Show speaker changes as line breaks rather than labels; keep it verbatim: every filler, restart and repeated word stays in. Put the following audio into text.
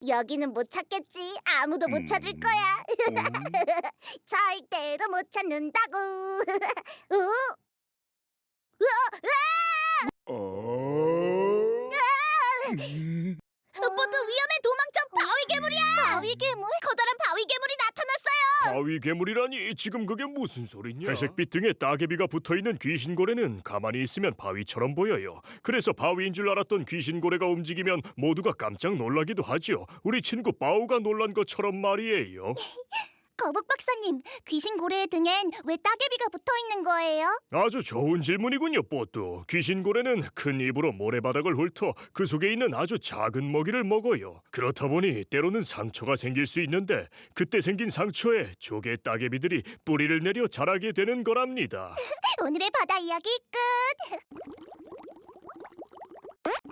여기는 못 찾겠지. 아무도 못 찾을 거야. 절대로 못 찾는다고. 어?
어?
모두 위험해. 도망쳐. 바위 괴물이야. 바위 괴물? 커다란 바위 괴물이 나타났어요.
바위 괴물이라니 지금 그게 무슨 소리냐? 회색빛 등에 따개비가 붙어있는 귀신고래는 가만히 있으면 바위처럼 보여요. 그래서 바위인 줄 알았던 귀신고래가 움직이면 모두가 깜짝 놀라기도 하죠. 우리 친구 바우가 놀란 것처럼 말이에요.
거북 박사님, 귀신 고래의 등엔 왜 따개비가 붙어 있는 거예요?
아주 좋은 질문이군요, 뽀뚜. 귀신고래는 큰 입으로 모래바닥을 훑어 그 속에 있는 아주 작은 먹이를 먹어요. 그렇다 보니 때로는 상처가 생길 수 있는데 그때 생긴 상처에 조개 따개비들이 뿌리를 내려 자라게 되는 거랍니다.
오늘의 바다 이야기 끝.